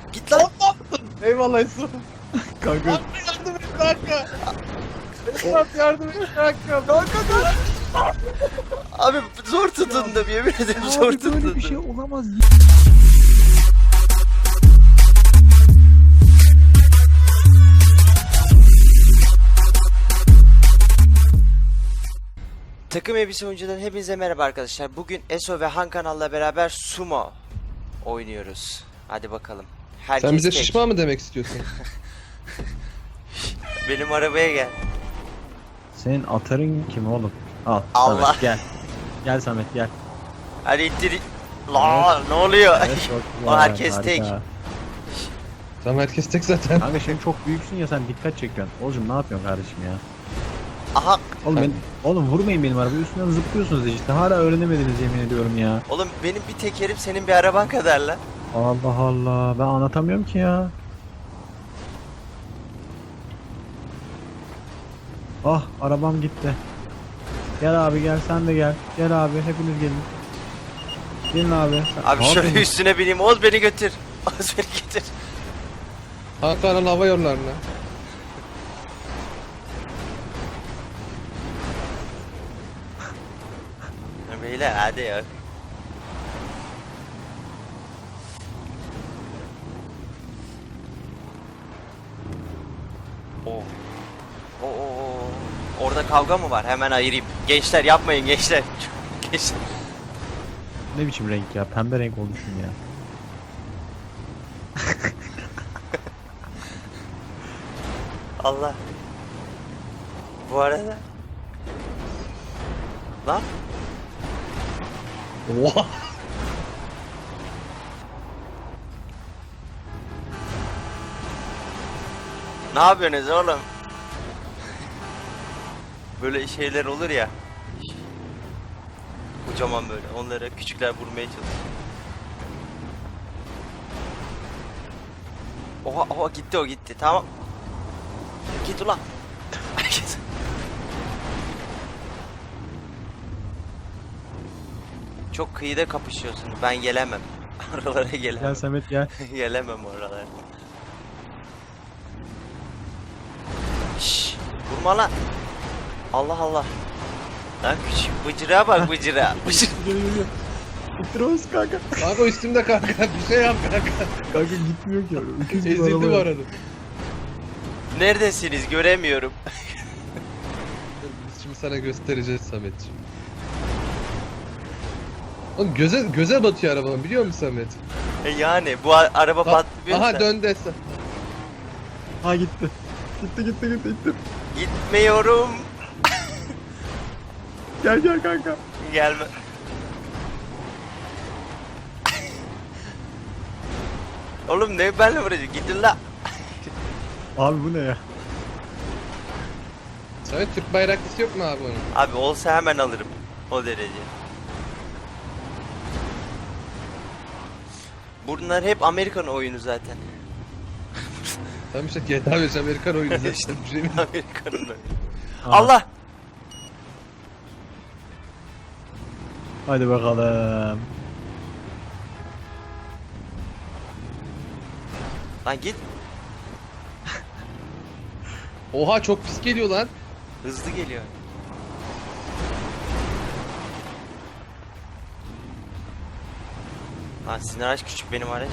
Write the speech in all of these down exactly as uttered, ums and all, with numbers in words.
Git lan. Eyvallah Yusuf. Kanka. Abi yardım et kanka. Esat yardım et kanka. Kanka dur. Abi zor tutundum, yemin ederim zor Abi böyle tutundum. bir şey olamaz. Takım elbise oyuncudan hepinize merhaba arkadaşlar. Bugün Eso ve Han kanalla beraber sumo oynuyoruz. Hadi bakalım. Herkes Sen bize tek. şişman mı demek istiyorsun? Benim arabaya gel. Senin atarın kim oğlum? Al. Allah. Samet, gel. Gel Samet gel. Hadi ittir. La ne oluyor? Evet, çok O güzel, herkes harika. tek. Tamam herkes tek zaten. Kanka şimdi çok büyüksün ya, sen dikkat çekiyorsun. Oğlum ne yapıyorsun kardeşim ya? Aha. Oğlum ben, oğlum vurmayın benim arabayı, üstünden zıplıyorsunuz işte. Hala öğrenemediniz yemin ediyorum ya. Oğlum benim bir tekerim senin bir araban kadar lan. Allah Allah, ben anlatamıyorum ki ya. Ah, arabam gitti. Gel abi gel, sen de gel. Gel abi, hepiniz gelin. Gelin abi. Sen- Abi Ne şöyle yapıyorsun? üstüne bineyim. Oğuz beni götür. Oğuz beni götür. Ankara'nın hava yollarına. Beyler hadi ya. Oo. Oo, oo, oo. Orada kavga mı var? Hemen ayırayım. Gençler yapmayın gençler. Gençler. Ne biçim renk ya? Pembe renk olmuşsun ya. Allah. Bu arada. Lan. Oha. Ne yapıyorsunuz oğlum? Böyle şeyler olur ya. Kocaman böyle. Onlara küçükler vurmaya çalışıyor. Oha oha gitti o gitti. Tamam. Git ulan. Git. Çok kıyıda kapışıyorsunuz. Ben gelemem. Oralara gelemem. Gel Samet gel. Gelemem oralara. Şşş. Vurma lan. Allah Allah. Lan küçük bıcıra bak bıcıra. Bıcıra. Gel gel gel. İttiramaz kanka. Kanka üstümde kanka. Bir şey yap kanka. Kanka gitmiyor ki. Öküz gibi Ezildi araba bu ya. arada. Neredesiniz göremiyorum. Biz şimdi sana göstereceğiz Sametciğim. Oğlum göze göze batıyor arabanın, biliyor musun Samet? E yani bu a- araba Bak, patlıyor. aha dön desen. Ha gitti. Gitti gitti gitti gitti. Gitmiyorum. Gel gel kanka. Gelme. Oğlum ne benle vuracak? Gidin la. Abi bu ne ya? Samet Türk bayraklısı yok mu abi onun? Abi olsa hemen alırım. O derece. Bunlar hep Amerikan oyunu zaten. Tamam işte G T A beş Amerikan oyunu zaten. Bir şey mi? Amerikan'ın oyunu. Aha. Allah! Hadi bakalım. Lan git. Oha çok pis geliyor lan. Hızlı geliyor. Lan sizin araç küçük, benim araç.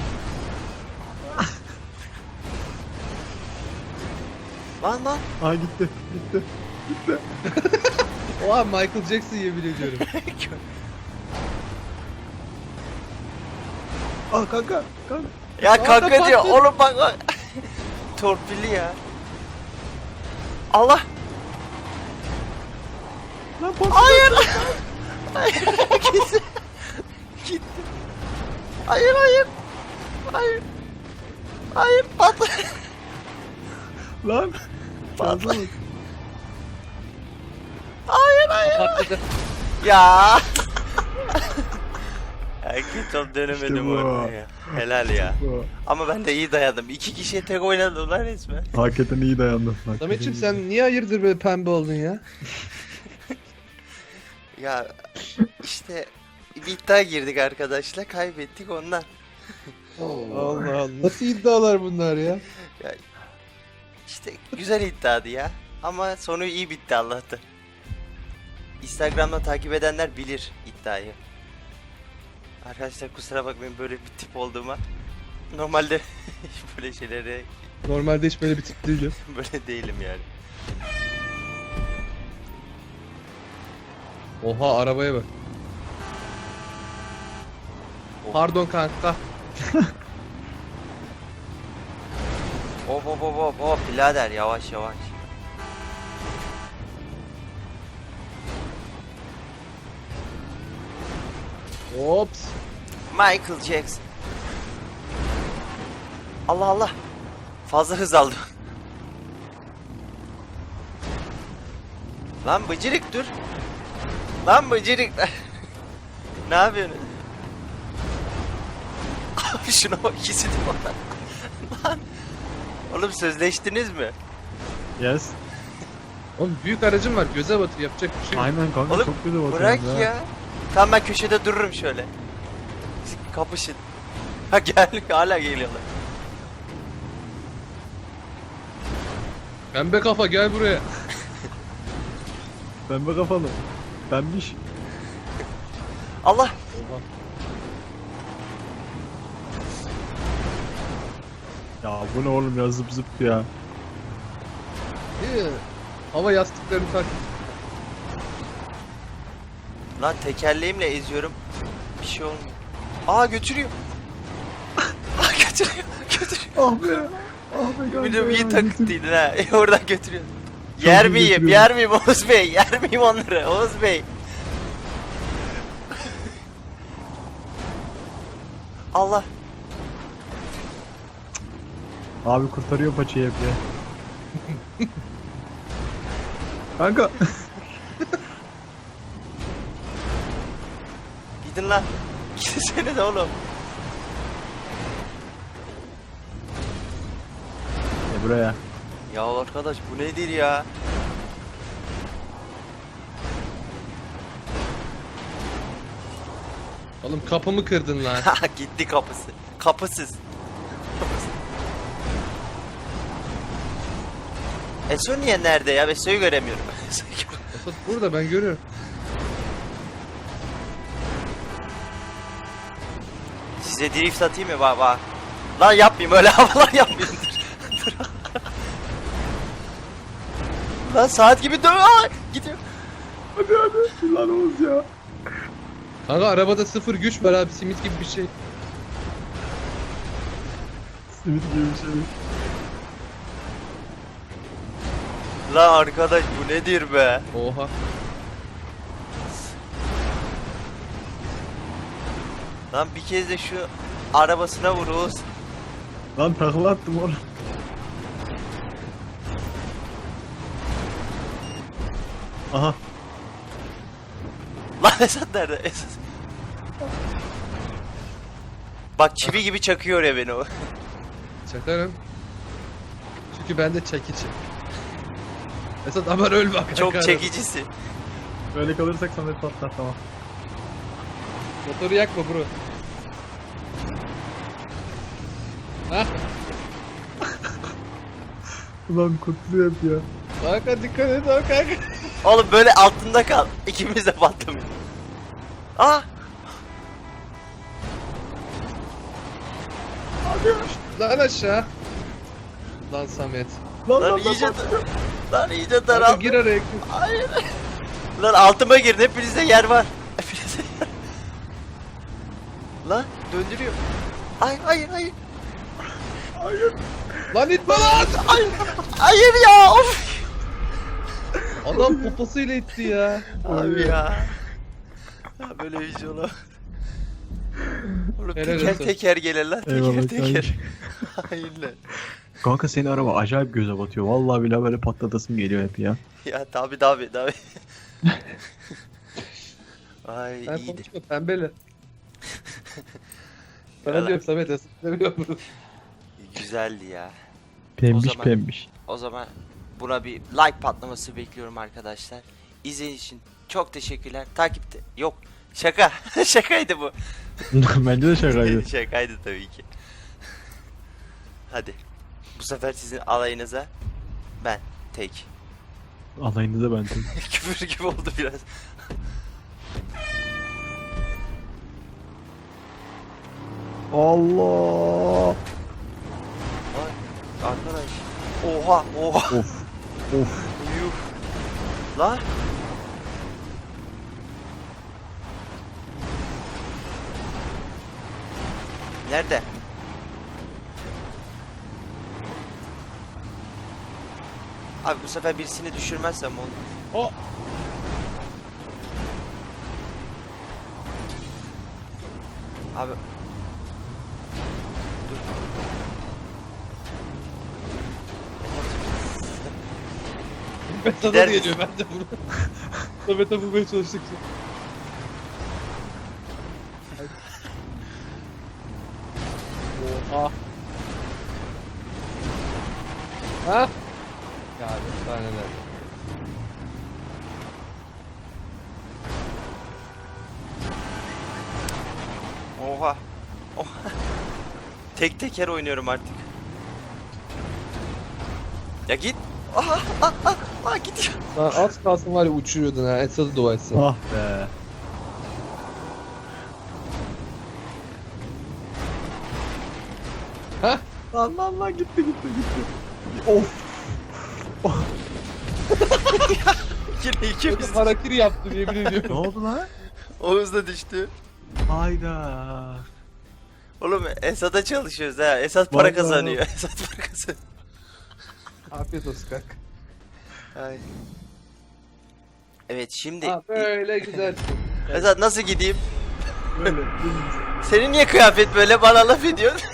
Lan lan. Ha gitti. Gitti. Oha Michael Jackson yemin ediyorum. Ah kanka. Kanka. Ya Lan da kanka diyor. patladı. Oğlum bak bak. Torpilli ya. Allah. Lan patladı. Hayır. Hayır. Gitti. Gitti. Hayır hayır. Hayır. Hayır patla. Lan. Patla. Patladı. Hayır hayır. Patladı. Ya. Erkek top dönemedim İşte bu. orada ya. Helal ya. Bu. Ama ben de iyi dayandım. İki kişiye tek oynadım lan resmen. Hakikaten iyi dayandın. Hakikaten Sametciğim iyi. sen niye hayırdır böyle pembe oldun ya? Ya işte bir iddia girdik arkadaşlar, kaybettik ondan. Allah Allah. Nasıl iddialar bunlar ya? Ya, işte güzel iddiadı ya. Ama sonu iyi bitti Allah'tan. Instagram'da takip edenler bilir iddiayı. Arkadaşlar kusura bakmayın böyle bir tip olduğuma. Normalde böyle şeylere Normalde hiç böyle bir tip değilim. böyle değilim yani. Oha arabaya bak. Pardon kanka. Hop hop hop hop hop birader yavaş yavaş. Ops. Michael Jackson. Allah Allah. Fazla hız aldım. Lan bıcırık dur. Lan bıcırık. Ne yapıyorsun? Abi şuna bak ikisi de bana. Lan. Oğlum sözleştiniz mi? Yes. Oğlum büyük aracım var, göze batır, yapacak bir şey yok. Aynen kanka Oğlum çok güzel bakıyorsun bırak ha. ya. Tamam ben köşede dururum şöyle. Siz kapışın. Ha gel hala geliyorlar. Pembe kafa gel buraya. Pembe kafalı. Pembiş. Allah. Oha. Ya bu ne oğlum ya zıp zıp ya. İyi. Hava yastıklarını tak. Lan tekerleğimle eziyorum. Bir şey olmuyor. Aa götürüyor. Aa götürüyor. Götürüyor. Ah be. Ah be kanka. Bir de iyi ya, takıntıydı ha. E, oradan götürüyor. Çok Yer iyi miyim? götürüyor. Yer miyim Oğuz Bey? Yer miyim onları? Oğuz Bey. Allah. Abi kurtarıyor paçayı hep ya. Kanka. Gidin lan. Gidin de oğlum. E buraya. Ya arkadaş bu nedir ya? Oğlum kapımı kırdın lan. Gitti kapısı. Kapısız. Kapısız. Eso niye nerede ya? Eso'yu göremiyorum. Eso'yu göremiyorum. Esas burada ben görüyorum. Size drift atayım mı baba? Lan yapmayayım öyle havalar yapmayayım. Dur. Dur. Lan saat gibi dön. Aa, gidiyor. Hadi hadi. Lan Oğuz ya. Kanka arabada sıfır güç var abi, simit gibi bir şey. Simit gibi bir şey. Lan arkadaş bu nedir be? Oha. Lan bir kez de şu arabasına vur Oğuz. Lan takla attım oğlum. Aha. Lan Esat nerede? Esat. Bak çivi gibi çakıyor ya beni o. Çakarım. Çünkü ben de çekici. Esat aman ölme kanka. Çok çekicisi. Böyle kalırsak Samet patlar tamam. Motoru yakma bro. Hah. Ulan kutlu hep ya. Kanka dikkat et o kanka. Oğlum böyle altında kal. İkimiz de patlamıyor. Aa! Lan aşağı. Lan Samet. Lan Lan lan iyice lan. Lan iyice Kanka daraldı. gir araya. Hayır. Lan altıma girin. Hepinizde yer var. Hepinizde yer. Lan döndürüyor. Ay hayır hayır. Hayır. Lan itme lan. Hayır. Hayır ya. Of. Adam poposuyla itti ya. Abi ya. Ya böyle bir şey olamaz. Oğlum Helal teker olsun. teker gelir lan. Teker Eyvallah teker. Hayır lan. Kanka senin araba acayip göze batıyor. Vallahi bile böyle patlatasım geliyor hep ya. Ya tabi tabi tabi. Ay Ben iyiydi. konuşma pembeli. Sana Yalan. diyorum Samet Esat demiyorum. Güzeldi ya. Pembiş zaman- pembiş. O zaman buna bir like patlaması bekliyorum arkadaşlar. İzlediğiniz için çok teşekkürler. Takipte yok. Şaka. Şakaydı bu. Bence de şakaydı. Şakaydı tabii ki. Hadi. Bu sefer sizin alayınıza ben tek. Alayınıza ben tek. Küfür gibi oldu biraz. Allah. Ay, arkadaş. Oha oha. Of. Of. Yuh. Lan. Nerede? Abi bu sefer birisini düşürmezsem olur. O. Abi. Dur. Ben sana Gider da misin? geliyor ben de bunu. Samet'e bulmaya çalıştık. Oha. Ha? Ya efsaneler. Oha. Oha. Tek teker oynuyorum artık. Ya git. Aha, ah, ah, ah gidiyor. Lan az kalsın var ya uçuruyordun ha. Esad'ı dua etsin. Ah be. Ha? Lan lan lan gitti gitti gitti. Of. Yine ikimiz. Harakiri yaptım yemin Ne ediyorum. oldu lan? Oğuz da düştü. Hayda. Oğlum Esat'a çalışıyoruz ha. Esat para Vallahi. kazanıyor. Esat para kazanıyor. Afiyet olsun kanka. Ay. Evet şimdi Ha böyle güzel. Esat nasıl gideyim? Böyle. Senin niye kıyafet böyle bana laf ediyorsun?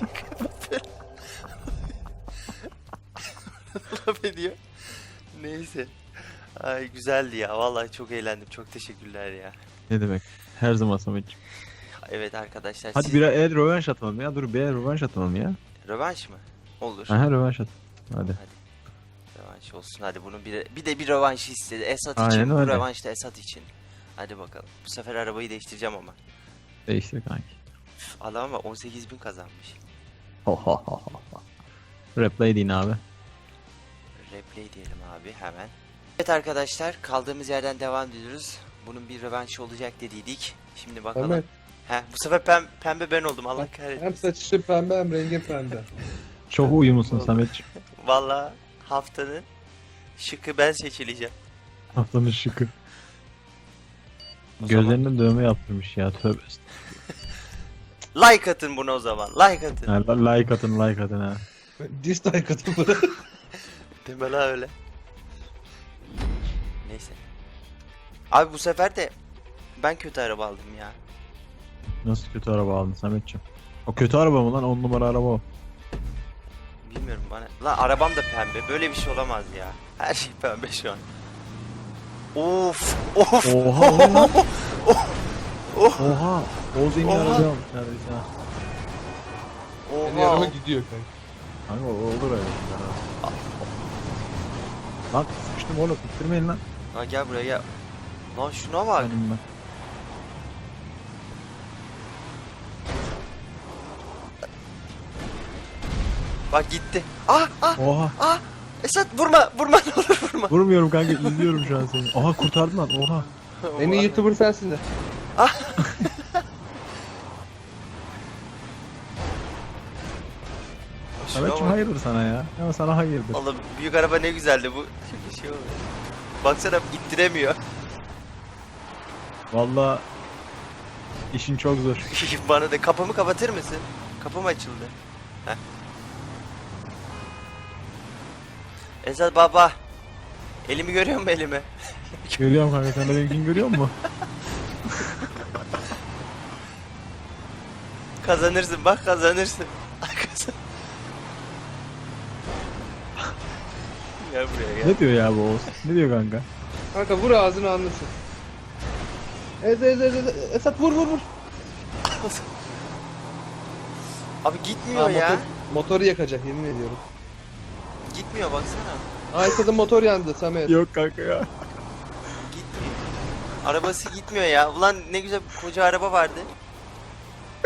Laf ediyor. Neyse. Ay güzeldi ya. Vallahi çok eğlendim. Çok teşekkürler ya. Ne demek? Her zaman Samet'ciğim. Evet arkadaşlar. Hadi siz... bir el rövanş atalım ya. Dur bir el rövanş atalım ya. Rövanş mı? Olur. Aha rövanş at. Hadi. Rövanş olsun. Hadi bunun bir bir de bir rövanş istedi. Esat Aynen için. Bu öyle. rövanş da Esat için. Hadi bakalım. Bu sefer arabayı değiştireceğim ama. Değiştir kanki. Üf, adam ama on sekiz bin kazanmış. Ho ho ho ho. Replay deyin abi. Replay diyelim abi hemen. Evet arkadaşlar kaldığımız yerden devam ediyoruz. Bunun bir rövanşı olacak dediydik. Şimdi bakalım. Samet. He, bu sefer pem, pembe ben oldum Allah kahretsin. Hem saçı pembe hem rengi pembe. Çok uyumlusun Samet'ciğim. Valla haftanın şıkı ben seçileceğim. Haftanın şıkı. O zaman Gözlerine dövme yaptırmış ya tövbe. like atın buna o zaman. Like atın. Ha, la- like atın like atın ha. Dislike atın bana. Deme la öyle. Neyse. Abi bu sefer de ben kötü araba aldım ya. Nasıl kötü araba aldın Samet'ciğim? O kötü araba mı lan? On numara araba o. Bilmiyorum bana. Lan arabam da pembe. Böyle bir şey olamaz ya. Her şey pembe şu an. Of. Of. Oha o ne lan? Oh. Oha. Oğuz en iyi Oha. araba almış neredeyse ha. Beni araba Oha. gidiyor kanka. Kanka o olur öyle şeyler ha. Lan sıkıştım oğlum ittirmeyin lan. Lan gel buraya gel. Lan şuna bak. Benim ben. Bak gitti. Ah ah Oha. ah. Esat vurma vurma ne olur vurma. Vurmuyorum kanka izliyorum şu an seni. Oha kurtardın lan oha. En iyi YouTuber sensin de. Şuna Samet'ciğim bak. hayırdır sana ya. Ama sana hayırdır. Oğlum büyük araba ne güzeldi bu. Şimdi şey oldu. Baksana ittiremiyor. Valla işin çok zor. Bana da kapımı kapatır mısın? Kapım açıldı. Heh. Esat baba. Elimi görüyor musun elimi? Görüyorum kanka sen de benimkini görüyor musun? Kazanırsın bak kazanırsın. Kazan. Gel buraya gel. Ne diyor ya bu Oğuz? Ne diyor kanka? Kanka vur ağzını anlasın. Ez ez ez ez. Esat vur vur vur. Abi gitmiyor Aa, ya. motor, motoru yakacak yemin ediyorum. Gitmiyor baksana. Aa Esat'ın motor yandı Samet. Yok kanka ya. Gitmiyor. Arabası gitmiyor ya. Ulan ne güzel koca araba vardı.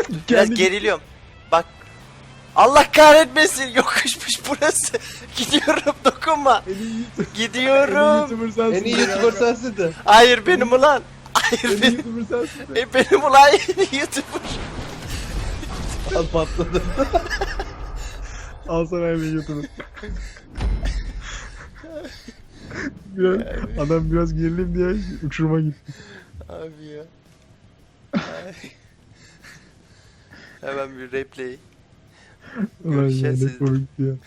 Biraz Kendi- geriliyorum. Bak. Allah kahretmesin. Yokuşmuş burası. Gidiyorum, dokunma. En iyi YouTuber- en iyi Gidiyorum. YouTuber sensin. En iyi de YouTuber kanka. sensin de. Hayır benim ulan. En Hayır iyi benim. YouTuber sensin de. E, benim ulan en iyi YouTuber. Al patladı. Al sana en iyi YouTuber. biraz, adam biraz gerilim diye uçuruma gitti. Abi ya. Ay. Hemen bir replay. Ulan ya Görüşeceğiz ne siz. komikti ya.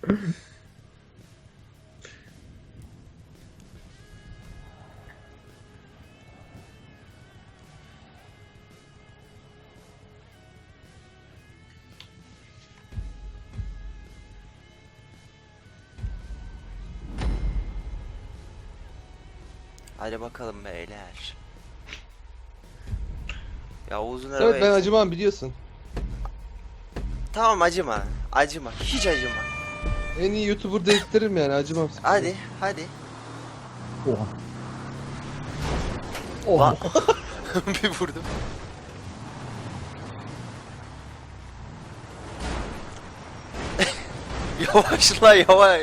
Hadi bakalım beyler. Ya uzun Evet araba. ben acımam biliyorsun. Tamam acıma. Acıma. Hiç acıma. En iyi YouTuber dedirtirim yani acımam. Hadi hadi. Oha. Lan. Oha. Bir vurdum. Yavaş la yavaş.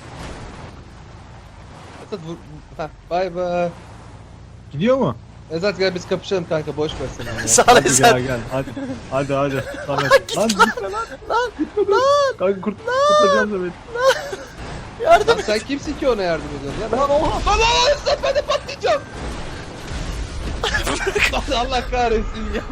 Esat vur. Heh, bay bay. Gidiyor mu? Esat gel biz kapışalım kanka boş ver sen ya. Sağ ol Hadi gel Esat. gel hadi. Hadi hadi. Samet. Lan gitme lan. Lan gitme lan. Kanka kurt kurtaracağım Samet. Yardım Lan et. sen kimsin ki ona yardım ediyorsun ya? Lan oha. Lan lan Esat ben de patlayacağım. Lan Allah kahretsin ya.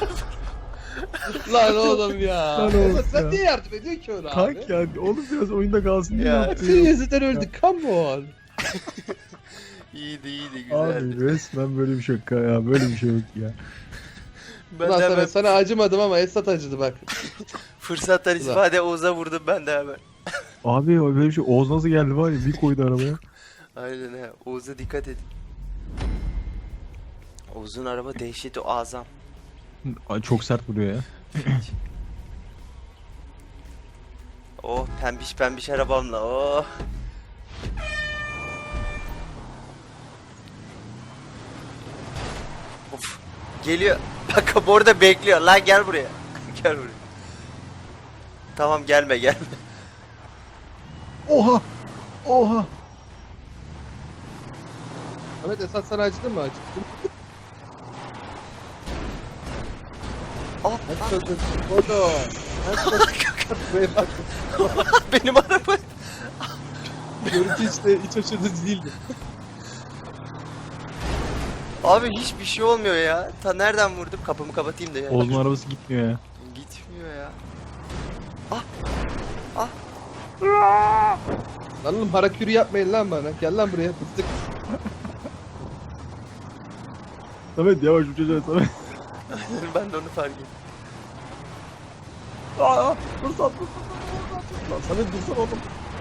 Lan oğlum ya. Lan oğlum Esat sen ya. niye yardım ediyorsun ki ona abi? Kalk ya. Oğlum biraz oyunda kalsın diye Ya. yaptım. Senin yüzünden öldük come on. İyiydi iyiydi Abi güzeldi. resmen böyle bir şaka ya. Böyle bir şey yok ya. Ben Ulan de sana, hemen sana acımadım ama Esat acıdı bak. fırsattan istifade Oğuz'a vurdum ben de hemen. Abi o böyle bir şey. Oğuz nasıl geldi var ya. Bir koydu arabaya. Aynen he. Oğuz'a dikkat edin. Oğuz'un araba dehşeti azam. Ay, çok sert vuruyor ya. Oh pembiş pembiş arabamla oh. Of. Geliyor. Bak bu orada bekliyor. Lan gel buraya. Gel buraya. Tamam gelme gelme. Oha. Oha. Ahmet Esat sana acıdı mı acıdı? Oh, Hadi çocuğum. Kodo. Buraya bak. benim araba. Görüntü işte hiç hoş edici değildi. Abi hiçbir şey olmuyor ya. Ta nereden vurdum? Kapımı kapatayım da ya. Oğuz'un arabası gitmiyor ya. Gitmiyor ya. Lan oğlum harakiri yapmayın lan bana. Gel lan buraya fıstık. Samet yavaş uçacağız Samet. Ben de onu fark ettim. Aa, fırsat fırsat fırsat. Lan Samet dursana oğlum.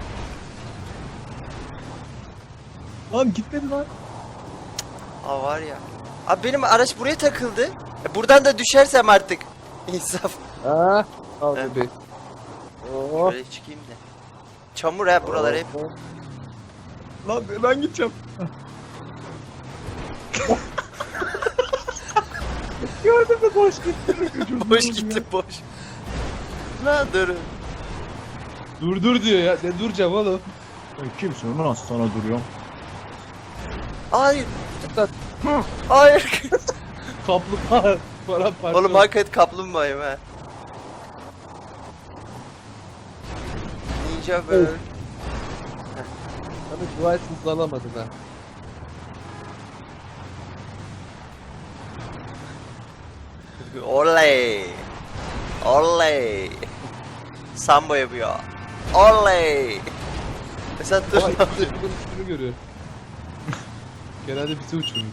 Lan gitmedi lan. Aa var ya. Abi benim araç buraya takıldı. E, buradan da düşersem artık. İnsaf. Ha? Al Evet. bebeğim. Oh. Böyle çıkayım da. Çamur ha buralar hep. Lan ben gideceğim. Gördün mü boş gitti. Boş gitti boş. Lan durun. Dur dur diyor ya. Ne duracağım oğlum? Kimsin lan sana duruyorum. Hayır. Esat. Hayır. Kaplumbağa. Paramparça. Oğlum hakikaten kaplumbağayım ha. Ninja böyle. Ahmet dua etsin alamadın ha. Oley. Oley. Sambo yapıyor. Oley. Mesela dur. Ama ikisi de bunun üstünü görüyor. Genelde bizi uçuruyor.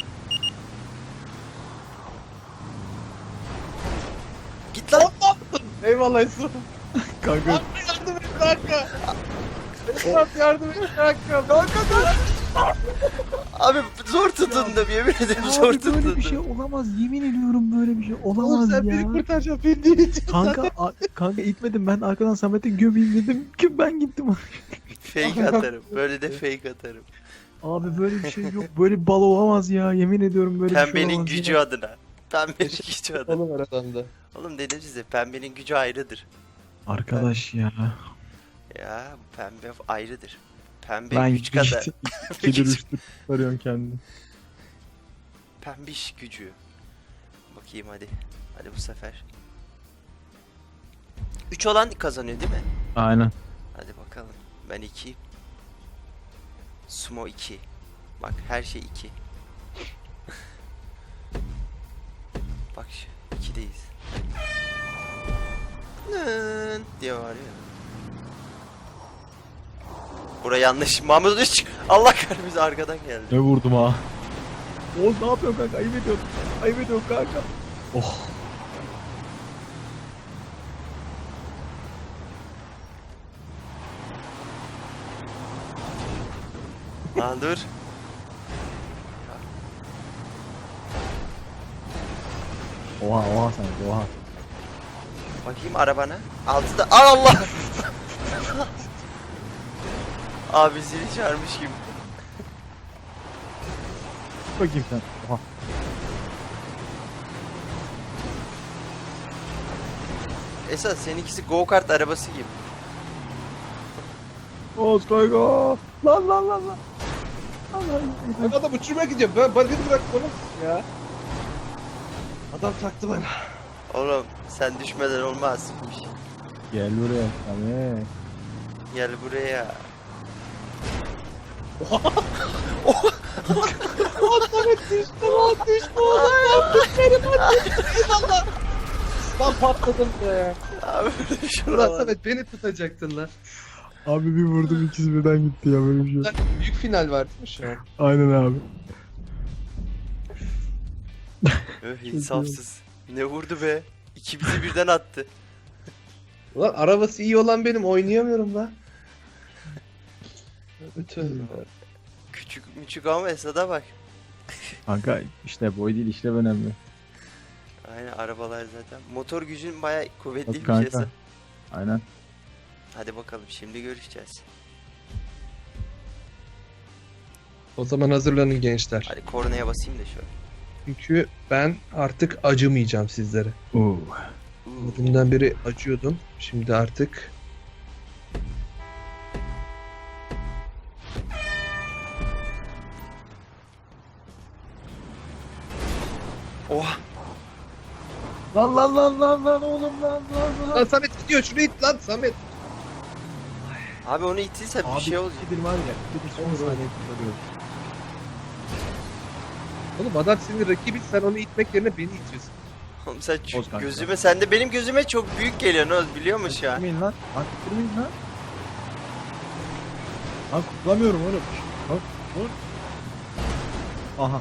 Git lan. Eyvallah Esat. Kanka Yardım et kanka. Esat yardım et kanka. Kanka dur. Abi zor tutundum yemin ederim zor abi böyle bir tutundum. şey olamaz. Yemin ediyorum böyle bir şey Oğlum olamaz sen ya. beni kurtaracaksın. Beni değil için. Kanka a- kanka itmedim ben arkadan Samet'e gömeyim dedim ki ben gittim. Fake atarım. Böyle de fake atarım. Abi böyle bir şey yok. Böyle bir bal olamaz ya. Yemin ediyorum böyle bir şey Pembenin olamaz gücü ya. adına. Pembenin gücü adam. Oğlum var adamda. Oğlum dedim size pembenin gücü ayrıdır. Arkadaş ya. Ya pembe ayrıdır. Pembe Ben güç kadar. ikidir üçtür arıyorum kendini. Pembiş gücü. Bakayım hadi. Hadi bu sefer. üç olan kazanıyor değil mi? Aynen. Hadi bakalım. Ben iki. Sumo iki. Bak her şey iki. Bak şu ikideyiz. Nın diye var ya. Bura yanlış. Mahmut üç. Allah kahretsin arkadan geldi. Ne vurdum ha? Oğuz ne yapıyorsun kanka? Ayıp ediyorsun. Ayıp ediyorsun kanka. Oh. Lan dur. Oha oha sen oha. Bakayım arabana. Altıda. Aa, Allah. Abi zili çağırmış gibi. Bakayım sen. Oha. Esas seninkisi go kart arabası gibi. Oğuz kanka. Lan lan lan lan. Allah Ben adam uçurmaya gidiyorum. Ben bana bırak bana. Ya. Adam taktı bana. Oğlum sen düşmeden olmaz. Gel buraya. Tamam. Gel buraya. Samet düştü lan düştü lan yaptık benim annem. Eyvallah. Lan patladım be. Abi Ulan şuralar. Samet beni tutacaktın lan. Abi bir vurdum ikisi birden gitti ya böyle bir şey. Lan büyük final var değil mi şu an? Aynen abi. Öh insafsız. Ne vurdu be? İki bizi birden attı. Ulan arabası iyi olan benim oynayamıyorum lan. Bütün. Küçük müçük ama Esad'a bak. Kanka işte boy değil işlev önemli. Aynen arabalar zaten. Motor gücün bayağı Bak kuvvetliymiş kanka. Esad. Aynen. Hadi bakalım şimdi görüşeceğiz. O zaman hazırlanın gençler. Hadi kornaya basayım da şöyle. Çünkü ben artık acımayacağım sizlere. Oo. Uuu. Dünden beri acıyordum. Şimdi artık Oha. Lan lan lan lan lan oğlum lan lan Lan Samet gidiyor şunu it lan Samet. Abi onu ittiyse bir şey olacak. ikidir var ya. Bir de son Olur, saniye kurtarıyor. Oğlum adam senin rakibin sen onu itmek yerine beni itiyorsun. Oğlum sen şu Oz kanka. gözüme sen de benim gözüme çok büyük geliyor Oz biliyor musun şu an? Kutlamayın lan. Lan kutlamayın lan. Lan kutlamıyorum oğlum. Bak oğlum. Aha.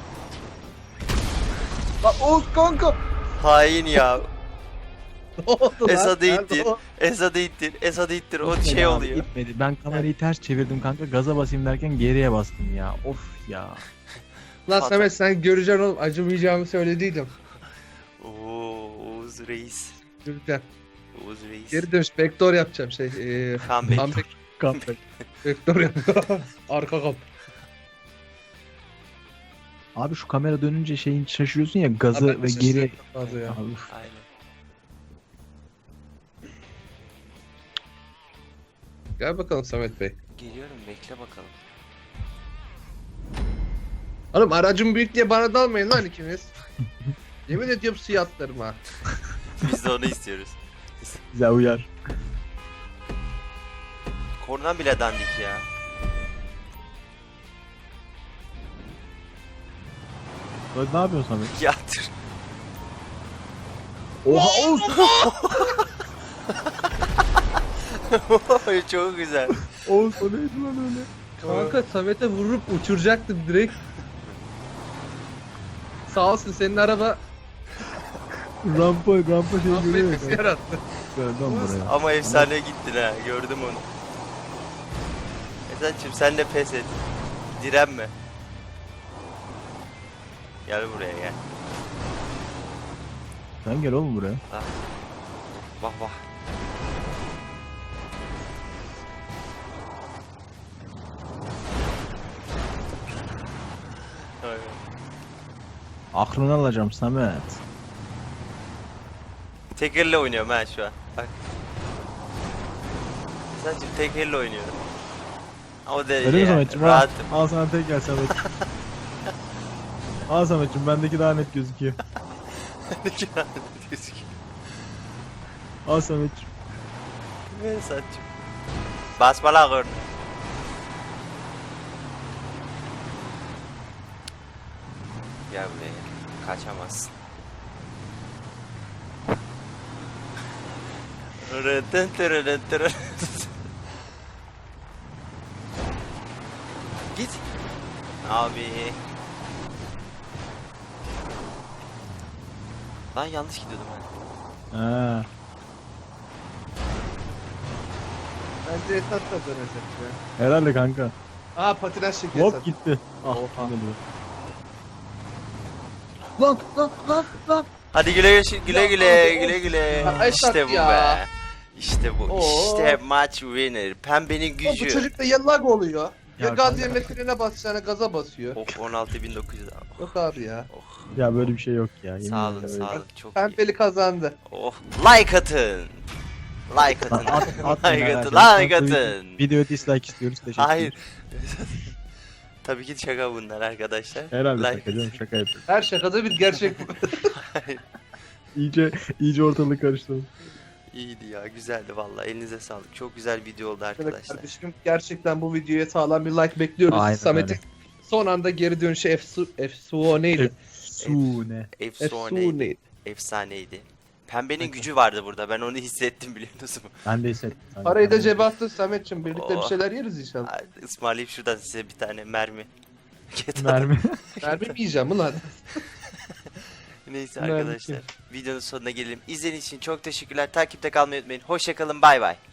Lan Oğuz kanka. Hain ya. Ne oldu lan? Esad'ı Nerede ittir. o? Esad'ı ittir. Esad'ı ittir. O Gitmedi şey abi, oluyor. Gitmedi. Ben kamerayı ters çevirdim kanka. Gaza basayım derken geriye bastım ya. Of ya. Lan Hata. Samet sen göreceksin oğlum acımayacağımı söylediydim. Oo, Oğuz Reis. Göreceksin. Oğuz Reis. Geri dönüş vektör yapacağım şey. Eee Comeback. comeback Comeback. vektör yap. Arka kap. Abi şu kamera dönünce şeyin şaşırıyorsun ya gazı Abi, ve şaşırdım geri. fazla ya. Abi, Aynen. Gel bakalım Samet Bey. Geliyorum bekle bakalım. Oğlum aracım büyük diye bana dalmayın lan ikiniz. Yemin ediyorum suya atlarım ha. Biz de onu istiyoruz. bize uyar. Korna bile dandik ya. Lan ne yapıyorsun Samet? Yatır. Oha Oğuz. Çok güzel. Oğuz o neydi lan öyle? Kanka Samet'e vurup uçuracaktım direkt. Sağ olsun senin araba Rampa rampa şey görüyor affetmesi ya. yarattı. Dön buraya. Ama efsane gittin ha. Gördüm onu. Esad'cığım sen de pes et. Direnme. Gel buraya gel. Sen gel oğlum buraya. Vah vah. Aynen. Aklını alacağım Samet. Tek elle oynuyorum ha şu an. Bak. Sadece tek elle oynuyorum. O derece Öyle mi yani. Samet'ciğim? Al, Rahatım. al sana tek gel Samet'ciğim. Al Samet'ciğim bendeki daha net gözüküyor. Al Samet'ciğim. Ver saçım. Basma la korna. Gel buraya. Kaçamazsın. Rıtın tırırın tırırın. Git. Abi. Lan yanlış gidiyordum ben. Ha. Bence Esat kazanacak ya. Herhalde kanka. Aa patinaj çekiyor Hop Esat. gitti. Ah, Oha. geliyor. Lan lan lan lan. Hadi güle güle güle Ya güle abi, güle of. güle. Ya Esat İşte bu ya. be. İşte bu. Oo. İşte maç winner. Pembenin Bu gücü. çocuk da ya lag oluyor. Ya, Ya gaz kanka. yerine frene basacağına gaza basıyor. Of on altı bin dokuz yüz. Yok abi ya. Oh. Ya böyle bir şey yok ya. yemin Sağ olun ederim sağ öyle. olun. Çok iyi. Pembeli kazandı. Oh. Like atın. Like atın. At, at, like atın. Like atın. Video dislike istiyoruz. Teşekkür Hayır. ederim. Tabii ki şaka bunlar arkadaşlar. Herhalde Like şaka canım şaka yapıyorum. Her şakada bir gerçek bu. Hayır. İyice, iyice ortalık karıştı. İyiydi ya, güzeldi vallahi. Elinize sağlık. Çok güzel video oldu arkadaşlar. Kardeşim gerçekten bu videoya sağlam bir like bekliyoruz. Aynen Samet'in öyle. son anda geri dönüşü efsu efsuaneydi. Efsune. Efsaneydi. Efsuneydi. Efsaneydi. Pembenin gücü vardı burada. Ben onu hissettim biliyor musun? Ben de hissettim. Ben de- Parayı da ben de- cebe attın Samet'ciğim. Birlikte bir Oh. şeyler yeriz inşallah. Hadi ısmarlayayım şuradan size bir tane mermi. Mermi. Mermi mi yiyeceğim ulan? Neyse Mermi arkadaşlar. Videonun sonuna gelelim. İzlediğiniz için çok teşekkürler. Takipte kalmayı unutmayın. Hoşçakalın. Bay bay.